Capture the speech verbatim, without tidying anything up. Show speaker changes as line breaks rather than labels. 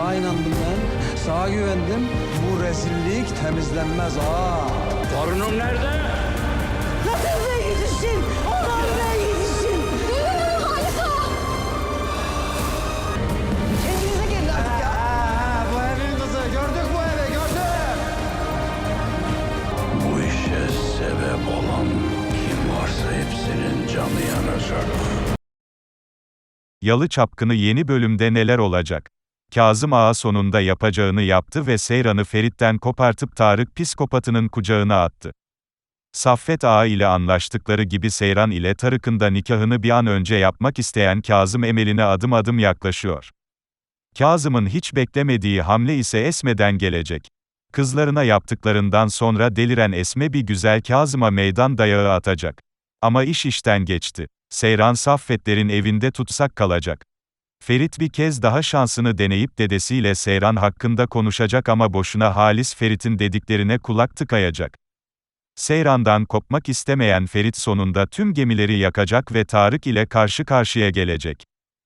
Sağa inandım ben, sağa güvendim. Bu rezillik temizlenmez ha.
Torunum nerede?
Nasıl be yetişsin? Ondan be yetişsin.
Düğünün Halika!
Kendinize gelin artık ya.
Ha, bu evin kızı. Gördük bu evi, gördük.
Bu işe sebep olan kim varsa hepsinin canı yanacak.
Yalı Çapkını yeni bölümde neler olacak? Kazım Ağa sonunda yapacağını yaptı ve Seyran'ı Ferit'ten kopartıp Tarık psikopatının kucağına attı. Saffet Ağa ile anlaştıkları gibi Seyran ile Tarık'ın da nikahını bir an önce yapmak isteyen Kazım Emel'ine adım adım yaklaşıyor. Kazım'ın hiç beklemediği hamle ise Esme'den gelecek. Kızlarına yaptıklarından sonra deliren Esme bir güzel Kazım'a meydan dayağı atacak. Ama iş işten geçti. Seyran Saffetlerin evinde tutsak kalacak. Ferit bir kez daha şansını deneyip dedesiyle Seyran hakkında konuşacak ama boşuna Halis Ferit'in dediklerine kulak tıkayacak. Seyran'dan kopmak istemeyen Ferit sonunda tüm gemileri yakacak ve Tarık ile karşı karşıya gelecek.